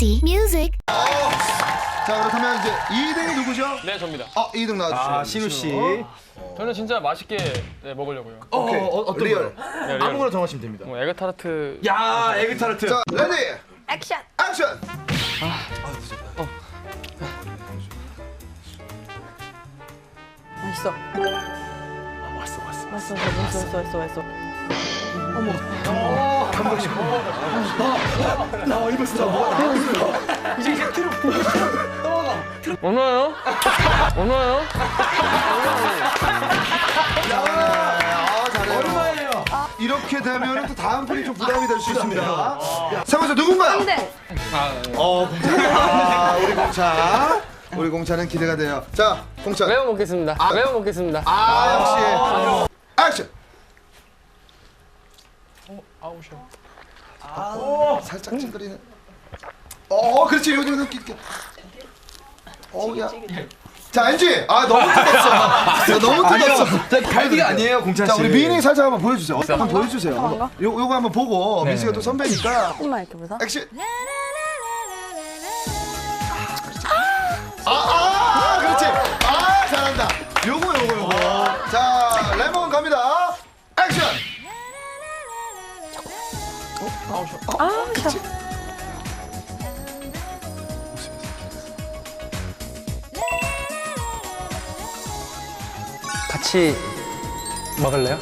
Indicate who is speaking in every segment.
Speaker 1: Easy music.
Speaker 2: 자, 그렇다면 이제 2등이 누구죠?
Speaker 3: 네, 접니다.
Speaker 2: 2등 나와주시죠.
Speaker 4: 아, 신우 씨.
Speaker 3: 저는 진짜 맛있게 먹으려고요.
Speaker 2: 오케이.
Speaker 4: 어떤
Speaker 2: 리얼.
Speaker 4: 거요?
Speaker 3: 네, 리얼.
Speaker 4: 아무거나 정하시면 됩니다.
Speaker 3: 뭐 에그타르트.
Speaker 4: 야, 에그타르트.
Speaker 2: 자, 레디,
Speaker 5: 액션!
Speaker 2: 액션!
Speaker 5: 맛있어. 맛있어.
Speaker 4: 나 입었어. 뭐가 나왔어. 이제 트로.
Speaker 3: 얼마요? 얼마요?
Speaker 2: 잘해요.
Speaker 4: 얼마예요?
Speaker 2: 이렇게 되면 또 다음 분이 좀 부담이 될 수 있습니다. 상호자 누군가요?
Speaker 5: 근데
Speaker 2: 공차. 우리 공차. 우리 공차는 기대가 돼요. 자, 공차.
Speaker 3: 매워 먹겠습니다. 매워 먹겠습니다.
Speaker 2: 역시. 액션!
Speaker 3: 아우셔.
Speaker 2: 살짝 찌그리는. 그렇지. 요즘 느끼 있게. 야. 자, NG. 너무 뜯었어. 너무 뜯었어.
Speaker 4: 자, 갈비가 아니에요, 공찬 씨.
Speaker 2: 자, 우리 민희 살짝 한번 보여주세요. 한번 보여주세요. 요거 한번 보고 민씨가 또 선배니까.
Speaker 5: 조금만 이렇게 보자.
Speaker 2: 액션. 그렇지. 잘한다. 요거. 자, 레몬 갑니다. 액션.
Speaker 5: 샤.
Speaker 3: 같이 먹을래요?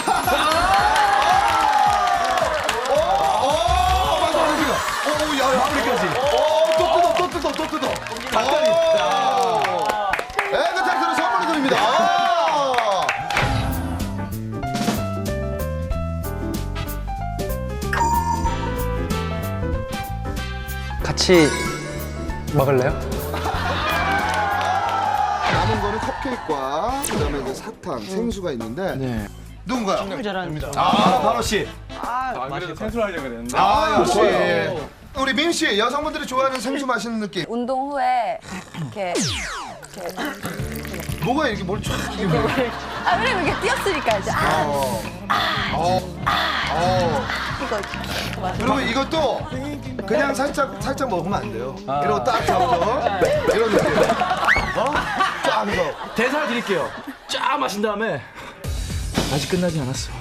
Speaker 2: 또 뜯어. 에그타르트를 선물로 드립니다.
Speaker 3: 같이 먹을래요?
Speaker 2: 남은 거는 컵케이크와 그다음에 이제 사탕, 생수가 있는데 누군가요?
Speaker 4: 바로 씨.
Speaker 3: 생수를 하려고 그랬는데.
Speaker 2: 역시 우리 민 씨, 여성분들이 좋아하는 생수 마시는 느낌.
Speaker 5: 운동 후에 이렇게
Speaker 2: 뭐가 이렇게 뭘 쫙 이렇게
Speaker 5: 왜냐면 이렇게 뛰었으니까 이제 이거
Speaker 2: 그리고 이것도 그냥 살짝 먹으면 안 돼요. 이러고 딱 잡아서 이런 느낌. 쫙 해서.
Speaker 4: 대사 드릴게요. 쫙 마신 다음에 아직 끝나지 않았어.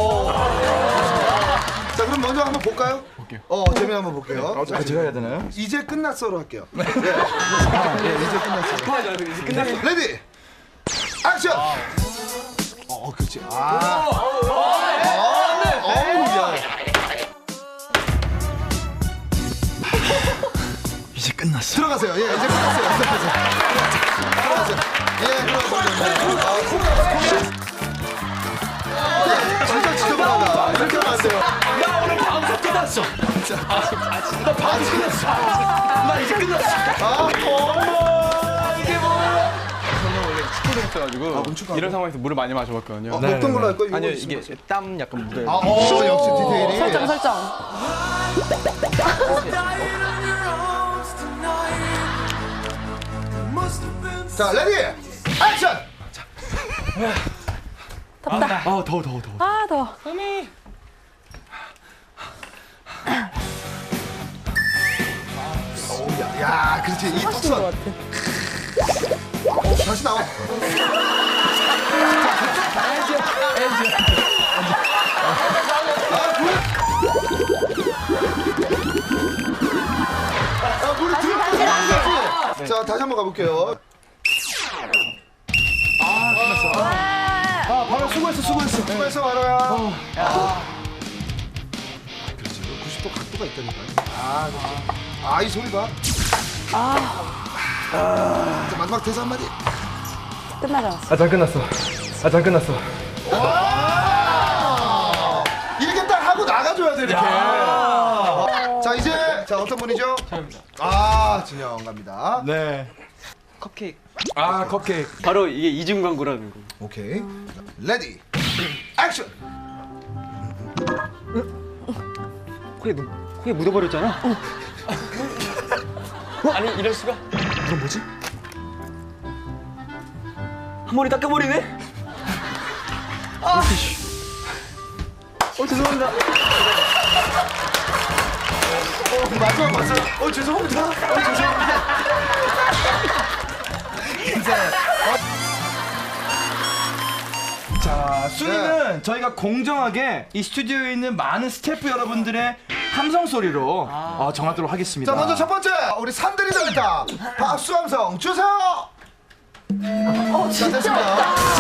Speaker 2: 자, 그럼 먼저 한번 볼까요? 볼게요. 재미 한번 볼게요. 자,
Speaker 4: 제가 해야 되나요?
Speaker 2: 이제 끝났어로 할게요. 이제 끝났어. 레디, 액션. 그렇지.
Speaker 4: 이제 끝났어.
Speaker 2: 들어가세요. 이제 끝났어요. 들어가세요. 진짜 지저분하다. 이렇게 하면 안 돼요.
Speaker 4: 나 오늘 방송 끝났어. 나 방송 끝났어. 나 이제 끝났어.
Speaker 3: 있어가지고 이런 상황에서 물을 많이 마셔봤거든요.
Speaker 2: 먹던 걸로 할 거예요?
Speaker 3: 아니요, 이게 땀 약간 묻어요.
Speaker 2: 역시 디테일이.
Speaker 5: 설정.
Speaker 2: 자, 레디, 액션.
Speaker 5: 덥다.
Speaker 4: 더워.
Speaker 5: 더워.
Speaker 2: 야, 그렇지. 이
Speaker 5: 하신 것
Speaker 2: 턱선.
Speaker 5: 같아.
Speaker 2: 다시 나와. 물이 들어가지. 자, 다시 한번 가볼게요. 끝났어. 바로 수고했어, 바로야. 그렇지. 90도 각도가 있다니까요. 이 소리 봐. 자, 마지막 대사 한마디.
Speaker 5: 끝나지 않았어.
Speaker 4: 아장 끝났어.
Speaker 2: 이렇게 딱 하고 나가줘야 돼, 이렇게. 자, 이제 어떤 분이죠? 진영 갑니다.
Speaker 4: 네.
Speaker 3: 컵케이크.
Speaker 4: 컵케이크.
Speaker 3: 바로 이게 이중 광고라는 거.
Speaker 2: 오케이. 레디, 액션.
Speaker 3: 코에 묻어버렸잖아. 아니 이럴 수가?
Speaker 4: 그럼 뭐지?
Speaker 3: 한 머리 닦아버리네.
Speaker 4: 죄송합니다.
Speaker 2: 마지막 봤어요. 죄송합니다. 죄송합니다. 이제
Speaker 4: 자, 순위는 저희가 공정하게 이 스튜디오에 있는 많은 스태프 여러분들의 함성 소리로 정하도록 하겠습니다.
Speaker 2: 자, 먼저 첫 번째 우리 산들이 잘했다. 박수 함성 주세요. 자, 됐습니다.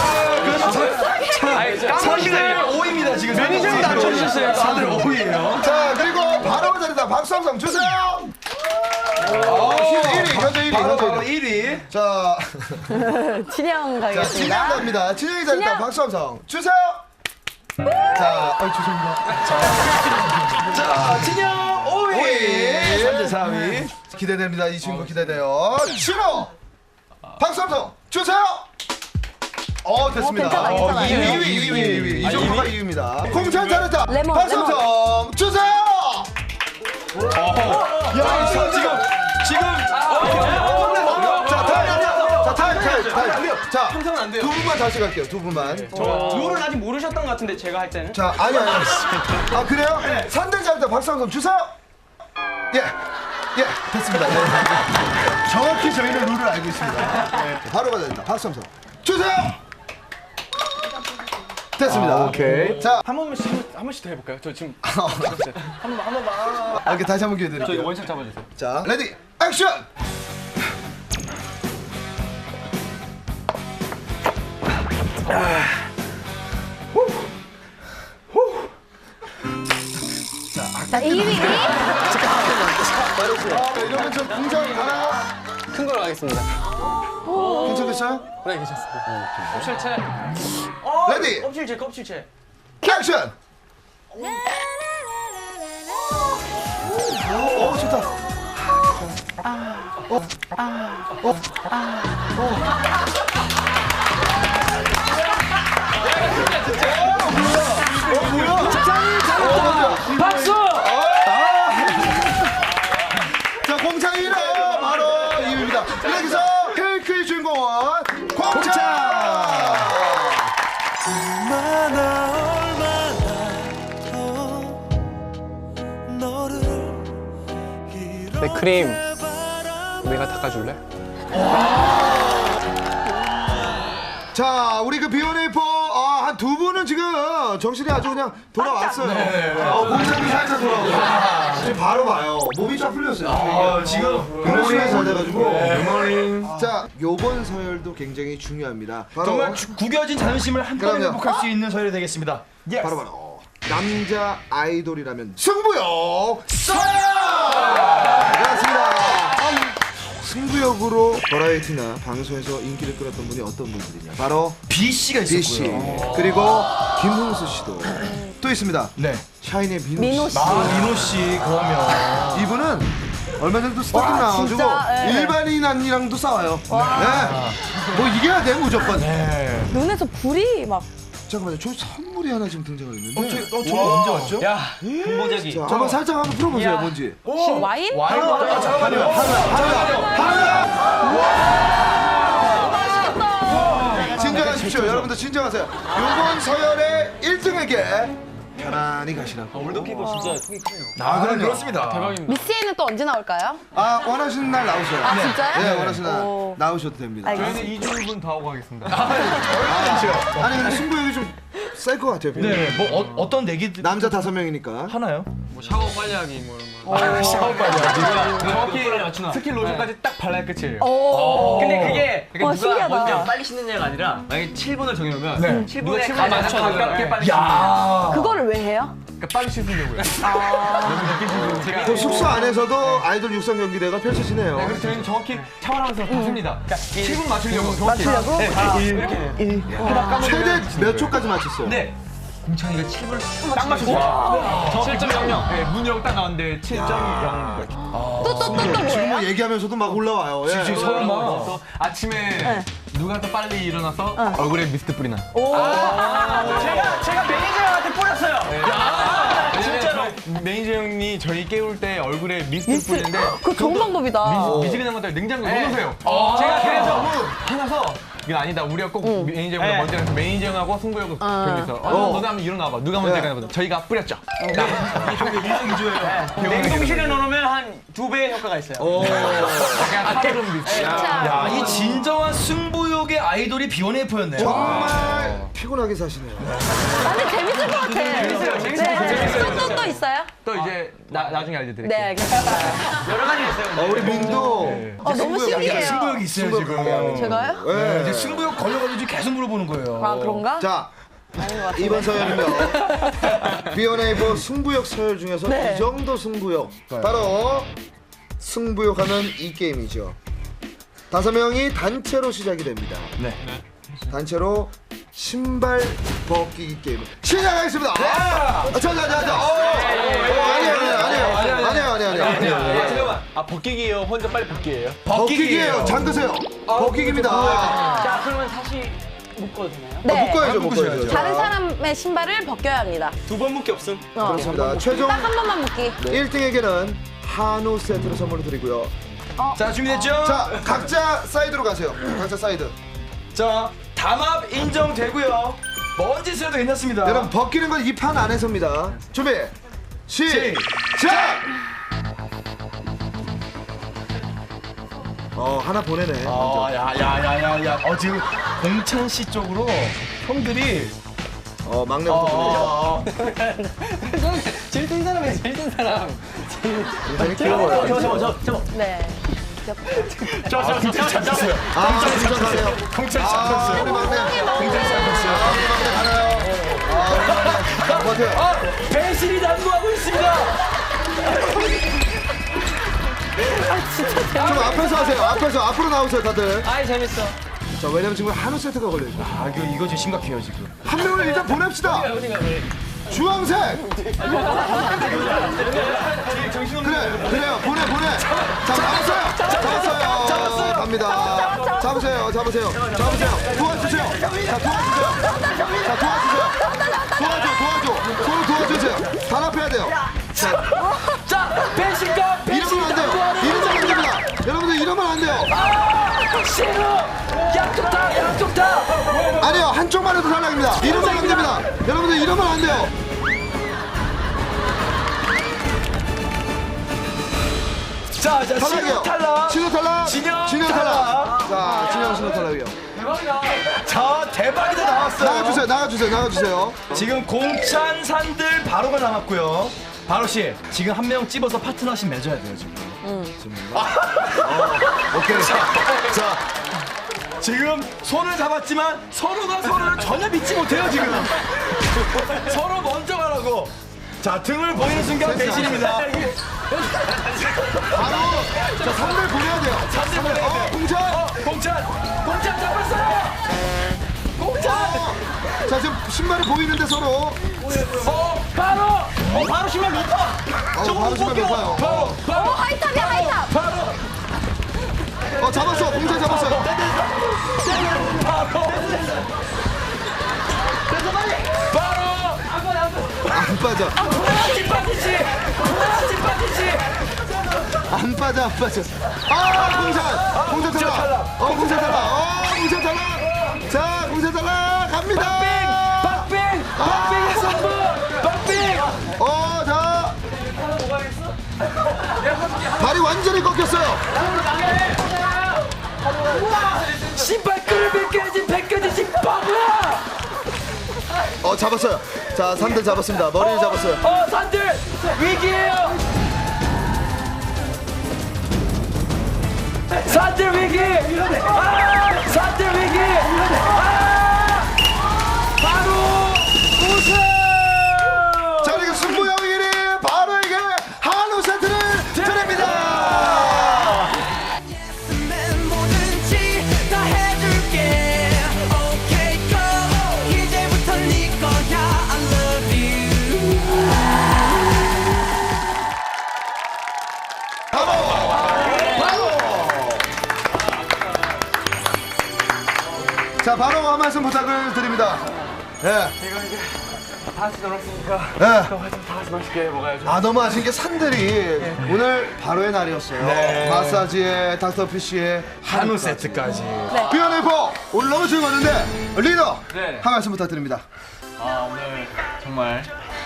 Speaker 4: 사실 5위입니다 지금. 매니저님도 안 쳐주셨어요. 다들 5위예요.
Speaker 2: 자, 그리고 바로 잘했다. 박수 함성 주세요. 1위 현재 1위.
Speaker 4: 바로
Speaker 2: 현재 1위.
Speaker 4: 1위.
Speaker 2: 자,
Speaker 5: 진영
Speaker 2: 자, 진영
Speaker 5: 가겠습니다.
Speaker 2: 갑니다. 진영이 잘했다.
Speaker 5: 진영.
Speaker 2: 박수 함성 주세요. 자, 죄송합니다.
Speaker 4: 자, 진영 5위.
Speaker 2: 5위.
Speaker 4: 3대 4위.
Speaker 2: 기대됩니다. 이 친구 기대돼요. 신호 박수 함성 주세요. 됐습니다.
Speaker 5: 괜찮아, 괜찮아.
Speaker 2: 2위. 이 정도가 2위입니다. 공찬 잘했다.
Speaker 5: 레몬,
Speaker 2: 박수
Speaker 5: 레몬.
Speaker 2: 함성 주세요.
Speaker 4: 야, 지금
Speaker 2: 자, 타임. 자,
Speaker 3: 함성은 안 돼요.
Speaker 2: 두 분만 다시 갈게요. 두 분만.
Speaker 3: 룰을 아직 모르셨던 것 같은데 제가 할 때는.
Speaker 2: 자, 아니. 아, 그래요? 산들 잘했다. 박수 함성 주세요. 예, 됐습니다. 네. 정확히 저희는 룰을 알고 있습니다. 네, 바로 가야 된다. 박수 함성 주세요. 됐습니다.
Speaker 4: 오케이.
Speaker 2: 자,
Speaker 3: 한 번씩 더 해볼까요? 저 지금
Speaker 2: 이렇게 다시 한번 기회 드릴게요.
Speaker 3: 원샷 잡아주세요.
Speaker 2: 자, 레디, 액션!
Speaker 5: 자, 2위.
Speaker 2: 이러면 좀 공정이 가나요?
Speaker 3: 큰 걸로 가겠습니다.
Speaker 2: 괜찮겠어요?
Speaker 3: 네, 괜찮습니다. 껍질채.
Speaker 2: 레디,
Speaker 3: 껍질채, 껍질채.
Speaker 2: 액션! 좋다.
Speaker 3: 박수!
Speaker 2: 자, 공창이는 바로 2위입니다. 여기서 케이크의 주인공은 공창!
Speaker 3: 내 크림 내가 닦아줄래?
Speaker 2: 자, 우리 그 비오네이퍼 한 두 분은 지금 정신이 아주 그냥 돌아왔어요. 공창이 살짝 돌아오고. 지금 바로 봐요. 몸이 쫙 풀렸어요.
Speaker 4: 지금
Speaker 2: 그러시면 잘 돼가지고. 자, 요번 서열도 굉장히 중요합니다. 바로
Speaker 4: 정말 구겨진 자존심을 한 번에
Speaker 2: 그럼요.
Speaker 4: 회복할 수 있는 서열이 되겠습니다.
Speaker 2: 바로 남자 아이돌이라면 승부욕 서열! 그렇습니다. 승부욕으로 버라이어티나 방송에서 인기를 끌었던 분이 어떤 분들이냐? 바로
Speaker 4: B 씨가
Speaker 2: B 씨
Speaker 4: 있었고요.
Speaker 2: 그리고 김흥수 씨도 또 있습니다.
Speaker 4: 네.
Speaker 2: 샤이니의
Speaker 5: 민호 씨.
Speaker 4: 민호 씨 그러면
Speaker 2: 이분은 얼마 전에도 스타킹
Speaker 5: 와,
Speaker 2: 나와가지고
Speaker 5: 진짜, 예.
Speaker 2: 일반인 언니랑도 싸워요. 네. 뭐 이겨야 돼 무조건.
Speaker 4: 네.
Speaker 5: 눈에서 불이 막.
Speaker 2: 잠깐만요. 저 선물이 하나 지금 등장을 했는데.
Speaker 4: 저거 언제 왔죠?
Speaker 3: 야, 근본적이.
Speaker 2: 자, 한번 살짝 한번 풀어보세요.
Speaker 3: 야.
Speaker 2: 뭔지.
Speaker 5: 와인?
Speaker 4: 잠깐만요.
Speaker 2: 진정하십시오. 여러분들 진정하세요. 이번 서열의 1등에게 편안히 가시라고.
Speaker 3: 올드피버 진짜 통이 크네요.
Speaker 2: 그럼요.
Speaker 4: 그렇습니다.
Speaker 3: 대박입니다.
Speaker 5: 미스에는 또 언제 나올까요?
Speaker 2: 원하시는 날 나오세요.
Speaker 5: 아, 진짜요?
Speaker 2: 네, 원하시는 날
Speaker 5: 오.
Speaker 2: 나오셔도 됩니다.
Speaker 5: 알겠습니다.
Speaker 3: 2주분 다 하고 가겠습니다.
Speaker 2: 아니 근데 승부욕이 좀 셀 것 같아요.
Speaker 4: 네, 뭐 어떤 내기들
Speaker 2: 남자 5명이니까.
Speaker 4: 하나요?
Speaker 3: 뭐 샤워 빨리 하기 뭐 이런 거.
Speaker 4: 샤워 빨리 하기.
Speaker 3: 정확히 스킨 로션까지 딱 발라야 끝이에요.
Speaker 5: 오.
Speaker 3: 근데 그게
Speaker 5: 와,
Speaker 3: 누가
Speaker 5: 신기하다.
Speaker 3: 먼저 빨리 씻느냐가 아니라 만약에 7분을 정해놓으면
Speaker 4: 네.
Speaker 3: 7분에 가깝게 빨리 씻는
Speaker 4: 야.
Speaker 5: 그거를 왜 해요?
Speaker 3: 그러니까 빨리 씻으려고요.
Speaker 2: 그 숙소 안에서도 아이돌 육상 경기대가 펼쳐지네요.
Speaker 3: 그래서 저희는 정확히 샤워하면서 다 셉니다. 그러니까 7분 맞추려고 정확히.
Speaker 5: 맞추려고?
Speaker 3: 네.
Speaker 2: 최대 몇 초까지 맞췄어요?
Speaker 3: 네. 공찬이가 7분 딱 맞췄어요. 7.00. 네, 문영 딱 나왔는데 7.0.
Speaker 5: 또
Speaker 2: 지금
Speaker 5: 뭐예요?
Speaker 2: 뭐 얘기하면서도 막 올라와요. 예.
Speaker 4: 지금 서로 막
Speaker 3: 그래서 아침에
Speaker 5: 네.
Speaker 3: 누가 더 빨리 일어나서 얼굴에 미스트 뿌리나.
Speaker 5: 오.
Speaker 3: 제가 매니저한테 뿌렸어요. 진짜로. 매니저 형이 저희 깨울 때 얼굴에 미스트 뿌리는데
Speaker 5: 그거 좋은 방법이다.
Speaker 3: 미지근한 것들 냉장고에 넣어놓으세요. 제가 그래서 화나서 이거 아니다. 우리가 꼭 매니저보다 먼저 해서 매니저 형하고 승부 형하고 결정해서 너도 한번 이리로 나와봐. 누가 먼저 해보자. 저희가 뿌렸죠.
Speaker 1: 냉동실에 넣으면 한 2배의 효과가 있어요.
Speaker 4: 야, 이 진정한 승부욕의 아이돌이 B1A4였네요.
Speaker 2: 정말 피곤하게 사시네요.
Speaker 5: 근데 재밌을 것 같아. 재밌어요. 또 있어요?
Speaker 3: 또 이제 나중에 알려드릴게요.
Speaker 5: 네, 알겠습니다.
Speaker 1: 여러 가지 있어요.
Speaker 2: 우리 민도
Speaker 5: 너무 신기해요.
Speaker 4: 승부욕이 있어요, 지금.
Speaker 5: 제가요?
Speaker 2: 네.
Speaker 4: 이제 승부욕 걸려가지고 지금 계속 물어보는 거예요.
Speaker 5: 아, 그런가?
Speaker 2: 자,
Speaker 5: 아닌 것 같은데.
Speaker 2: 이번 서열은요. B1A4 승부욕 서열 중에서
Speaker 5: 네.
Speaker 2: 이 정도 승부욕. 바로 승부욕하면 이 게임이죠. 5명이 단체로 시작이 됩니다.
Speaker 4: 네.
Speaker 2: 단체로 신발 벗기기 게임 시작하겠습니다. 아니에요.
Speaker 3: 잠깐만. 벗기기예요. 혼자 빨리 벗기예요.
Speaker 2: 벗기기예요. 잠그세요. 벗기기입니다.
Speaker 1: 자, 그러면 다시 묶어도 되나요?
Speaker 5: 네.
Speaker 2: 묶어야죠.
Speaker 5: 다른 사람의 신발을 벗겨야 합니다.
Speaker 1: 2번 묶기 없음.
Speaker 2: 그렇습니다. 최종
Speaker 5: 딱 한 번만 묶기.
Speaker 2: 1등에게는 한우 세트를 선물로 드리고요.
Speaker 4: 자, 준비됐죠?
Speaker 2: 자, 각자 사이드로 가세요. 각자 사이드.
Speaker 4: 자, 담합 인정되고요. 먼 짓을 해도 괜찮습니다.
Speaker 2: 여러분 벗기는 건 이 판 안에서입니다. 준비 시작. 하나 보내네.
Speaker 4: 야야야야야. 지금 공찬 씨 쪽으로 형들이
Speaker 2: 막내부터 보내죠.
Speaker 1: 제일 뜬 사람이에요, 제일 뜬 사람.
Speaker 2: 되게 귀여워요.
Speaker 5: 네.
Speaker 2: 공찬 가세요.
Speaker 4: 공찬 씨 잡혔어요.
Speaker 2: 우리 막내.
Speaker 4: 공찬 씨 잡혔어요.
Speaker 2: 우리 막내 가나요? 우리 막내. 버텨요.
Speaker 4: 배신이 난무하고 있습니다.
Speaker 2: 좀 앞에서 하세요. 앞으로 나오세요, 다들.
Speaker 1: 아이, 재밌어.
Speaker 2: 자, 왜냐면 지금 한우 세트가 걸려있어.
Speaker 4: 이거 지금 심각해요, 지금.
Speaker 2: 한 명을 일단 보냅시다. 주황색. 그래요. 보내. 자, 잡았어요. 갑니다. 잡으세요. 도와주세요. 서로 도와주세요. 단합해야 돼요.
Speaker 4: 자, 배신감.
Speaker 2: 이러면 안 돼요. 이러면 안 됩니다. 여러분들 이러면 안 돼요.
Speaker 4: 신우. 양쪽 다.
Speaker 2: 아니요, 한쪽만 해도 탈락입니다. 이러면 안 됩니다. 여러분들 이러면 안 돼요.
Speaker 4: 자,
Speaker 2: 탈락이요.
Speaker 4: 신우 탈락.
Speaker 2: 진영
Speaker 4: 진영
Speaker 2: 탈락. 자, 신우 탈락이요.
Speaker 4: 자, 대박이다 나왔어요.
Speaker 2: 나가주세요.
Speaker 4: 지금 공찬 산들 바로가 남았고요. 바로 씨, 지금 한 명 찝어서 파트너십 맺어야 돼요 지금.
Speaker 2: 오케이.
Speaker 4: 자, 지금 손을 잡았지만 서로가 서로를 전혀 믿지 못해요 지금. 서로 먼저 가라고. 자, 등을 보이는 순간 배신입니다.
Speaker 2: 바로 자, 선물 보내야 돼요.
Speaker 4: 선물 보내야 돼요. 공찬 잡았어요. 공찬.
Speaker 2: 자, 지금 신발이 보이는데 서로.
Speaker 1: 바로 신발 높아.
Speaker 2: 바로 신발 높아요.
Speaker 5: 하이탑이야, 하이탑.
Speaker 2: 잡았어. 공찬 잡았어요. 안 빠져. 안 빠져. 공찬 탈락. 공찬 탈락. 자, 공찬 탈락 갑니다.
Speaker 4: 박빙의 선부.
Speaker 2: 자. 발이 완전히 꺾였어요.
Speaker 4: 신발끈을 벗겨진 바보야.
Speaker 2: 잡았어요. 자, 3대 잡았습니다. 머리를 잡았어요.
Speaker 4: 산들 위기예요. 산들 위기. 산들 위기. 바로 우승.
Speaker 2: 자, 그리고 승부형 1위 바로 이게 한우 세트를 드립니다.
Speaker 6: 뭐든지 다 해줄게. Okay, go. 이제부터 네 거야. I love you.
Speaker 2: 자, 바로 한 말씀 부탁을 드립니다. 예.
Speaker 3: 다 같이 놀았으니까
Speaker 2: 예.
Speaker 3: 또 다 같이 맛있게 먹어야죠.
Speaker 2: 너무 아쉬운 게 산들이 오늘 바로의 날이었어요. 마사지에 닥터피쉬에
Speaker 4: 한우 세트까지.
Speaker 2: 비연의 B1A4 오늘 너무 즐거웠는데 리더
Speaker 3: 네.
Speaker 2: 한 말씀 부탁드립니다.
Speaker 3: 오늘 정말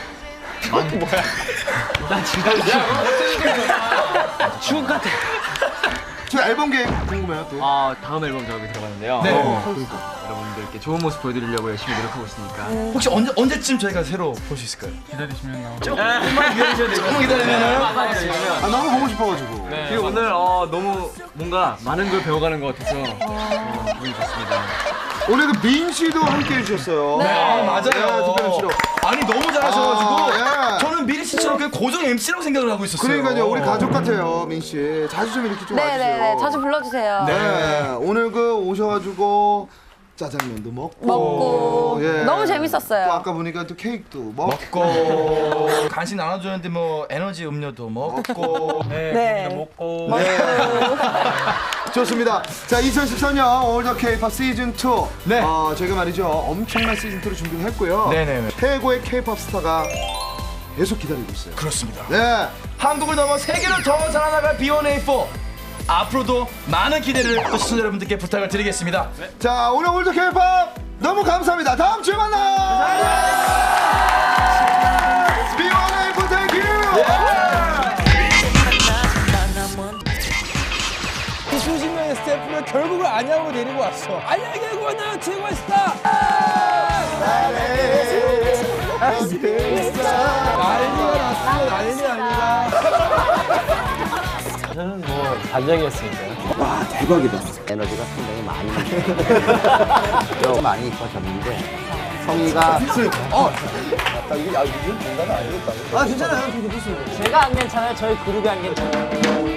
Speaker 1: 추억 같아.
Speaker 2: 저 앨범 계획 궁금해요 또.
Speaker 1: 다음 앨범 작업이 들어가는데요.
Speaker 3: 네.
Speaker 1: 여러분들께 좋은 모습 보여드리려고 열심히 노력하고 있으니까.
Speaker 4: 혹시 언제쯤 저희가 새로 볼 수 있을까요?
Speaker 1: 조금만 기다리면.
Speaker 2: 아 너무 보고 싶어가지고.
Speaker 1: 그리고 오늘 너무 뭔가 많은 걸 배워가는 것 같아서 기분이 좋습니다.
Speaker 2: 오늘 그 민 씨도 함께 해주셨어요.
Speaker 5: 네.
Speaker 4: 맞아요.
Speaker 2: 특별 MC로.
Speaker 4: 아니 너무 잘하셔가지고
Speaker 2: 아, 예.
Speaker 4: 저는 미리 씨처럼 그냥 고정 MC라고 생각을 하고 있었어요.
Speaker 2: 그러니까요 우리 가족 같아요 민 씨. 자주 좀 이렇게 좀 와주세요.
Speaker 5: 네네네. 자주 불러주세요.
Speaker 2: 네. 오늘 그 오셔가지고 짜장면도 먹고.
Speaker 5: 먹고.
Speaker 2: 예.
Speaker 5: 너무
Speaker 2: 또
Speaker 5: 재밌었어요.
Speaker 2: 아까 보니까 또 케이크도 먹고.
Speaker 4: 먹고 간식 나눠주는데 뭐 에너지 음료도 먹고
Speaker 5: 네.
Speaker 3: 먹고
Speaker 2: 좋습니다. 자, 2014년 올더 K-pop 시즌 2.
Speaker 4: 네.
Speaker 2: 저희가 말이죠 엄청난 시즌 2를 준비를 했고요.
Speaker 4: 네네네.
Speaker 2: 최고의 K-pop 스타가 계속 기다리고 있어요.
Speaker 4: 그렇습니다.
Speaker 2: 네.
Speaker 4: 한국을 넘어 세계로 더 살아나갈 B1A4 앞으로도 많은 기대를 또 시청자 여러분들께 부탁을 드리겠습니다.
Speaker 2: 자, 오늘 올더 K-pop 너무 감사합니다. 다음 주에 만나요. B1A4 땡큐.
Speaker 3: 이 수십 명의 스태프를 결국은 안양으로 데리고 왔어. 안양에 데리고 왔나 최고의 스타. 난리가 났어. 난리 아니다.
Speaker 1: 저는 뭐 반장이었습니다.
Speaker 7: 에너지가 상당히 많이 좀 많이 이뻐졌는데 성의가
Speaker 1: 제가 안 괜찮아요. 저희 그룹이 안 괜찮아요.